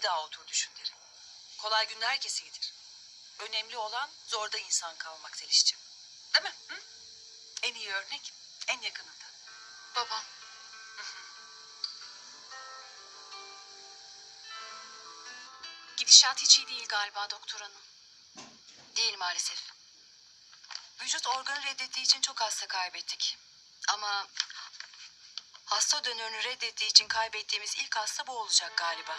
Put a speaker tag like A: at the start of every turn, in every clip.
A: daha otur düşün derim. Kolay günler herkese gelir. Önemli olan zorda insan kalmak Zeliş'ciğim. Değil mi? Hı? En iyi örnek en yakınında.
B: Babam. Gidişat hiç iyi değil galiba doktor hanım. Değil maalesef. Vücut organı reddettiği için çok hasta kaybettik. Ama hasta dönürünü reddettiği için kaybettiğimiz ilk hasta bu olacak galiba.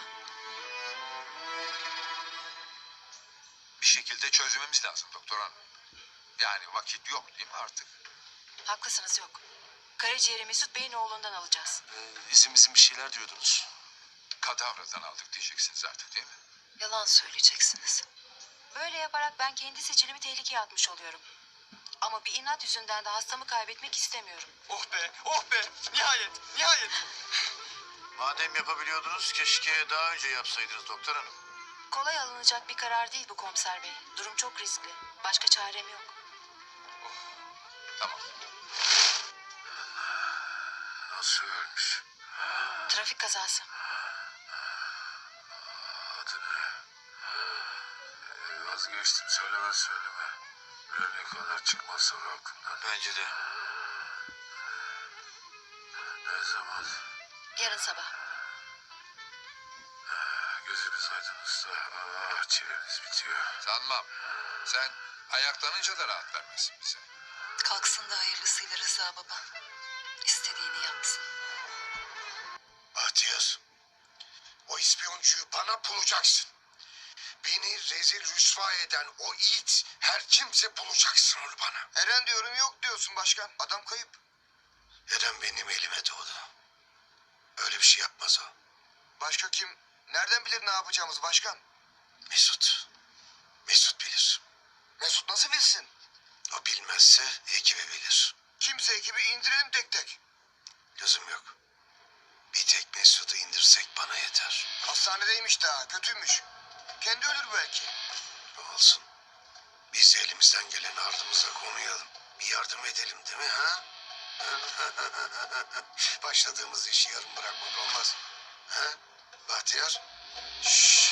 C: Bir şekilde çözmemiz lazım doktor hanım. Yani vakit yok değil mi artık?
B: Haklısınız yok. Karaciğeri Mesut Bey'in oğlundan alacağız.
D: İzin bir şeyler diyordunuz.
C: Kadavradan aldık diyeceksiniz artık değil mi?
B: Yalan söyleyeceksiniz. Böyle yaparak ben kendi sicilimi tehlikeye atmış oluyorum. Ama bir inat yüzünden de hastamı kaybetmek istemiyorum.
D: Oh be, oh be. Nihayet, nihayet. Madem yapabiliyordunuz keşke daha önce yapsaydınız doktor hanım.
B: Kolay alınacak bir karar değil bu komiser bey. Durum çok riskli. Başka çarem yok.
C: Tamam.
D: Nasıl ölmüş?
B: Trafik kazası.
D: Adı ne? Vazgeçtim söyleme. Ölene kadar çıkmaz sonra aklımdan. Bence de. Ne zaman?
B: Yarın sabah.
D: Gözünüz aydın usta. Ah çileniz bitiyor.
C: Sanmam. Sen ayaklanınca da rahat vermezsin bize.
B: Kalksın da hayırlısıyla Rıza baba. İstediğini yapsın.
E: Bahtiyar, o ispiyoncuyu bana bulacaksın. Beni rezil rüsva eden o it her kimse bulacaksın onu bana.
D: Eren diyorum yok diyorsun başkan. Adam kayıp.
E: Eren benim elime doğdu. Öyle bir şey yapmaz o.
D: Başka kim? Nereden bilir ne yapacağımız başkan?
E: Mesut. Mesut bilir.
D: Mesut nasıl bilsin?
E: O bilmezse ekibi bilir.
D: Kimse ekibi indirelim tek tek.
E: Lüzum yok. Bir tek Mesut'u indirsek bana yeter.
D: Hastanedeymiş daha kötüymüş. Kendi ölür belki.
E: Olsun. Biz elimizden gelen ardımıza konuyalım. Bir yardım edelim değil mi ha? Başladığımız işi yarım bırakmak olmaz. Ha? Bahtiyar? Şşş.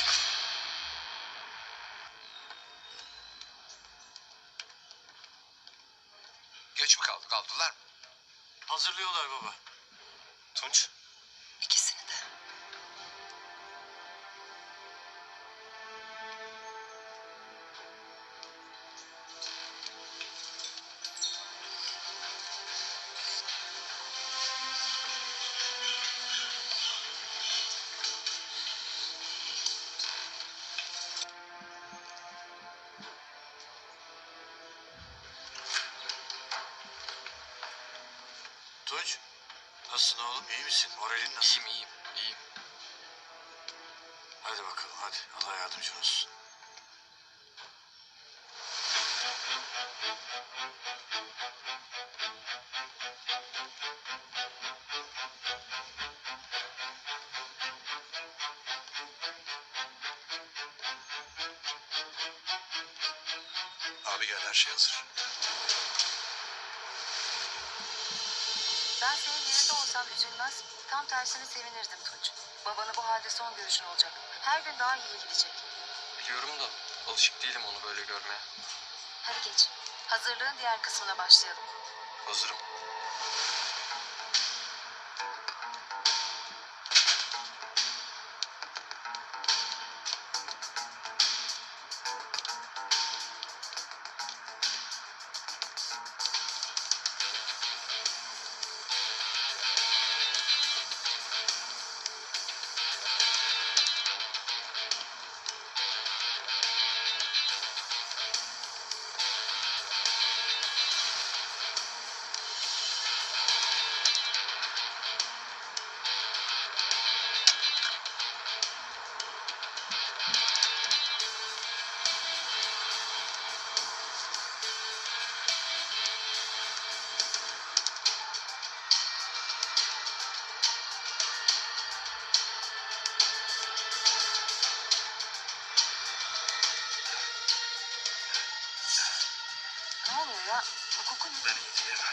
C: Geç mi kaldık aldılar mı?
D: Hazırlıyorlar baba. Tunç.
B: İkisini de.
D: Tunç. Nasılsın oğlum? İyi misin? Moralin nasıl?
F: İyiyim.
D: Hadi bakalım hadi. Allah yardımcın olsun.
E: Abi gel her şey hazır.
B: Ben senin yerinde olsam üzülmez, tam tersine sevinirdim Tunç. Babanı bu halde son görüşün olacak. Her gün daha iyi gidecek.
F: Biliyorum da alışık değilim onu böyle görmeye.
B: Hadi geç. Hazırlığın diğer kısmına başlayalım.
F: Hazırım.
B: Ne oluyor ya? Bu koku ne?
D: Ben iyi değilim.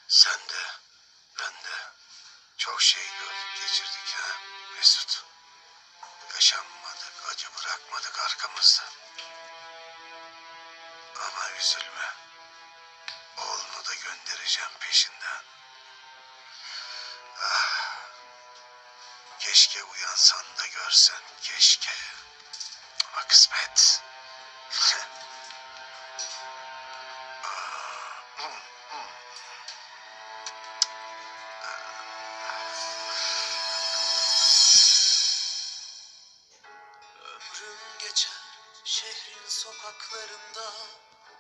E: Sen de, ben de çok şey gördük, geçirdik ha Mesut. Yaşanmadık, acı bırakmadık arkamızda. Ama üzülme. Oğlunu da göndereceğim peşinden. Ah, keşke uyansan da görsen, keşke. Ama kısmet.
G: Ömrüm geçer şehrin sokaklarında,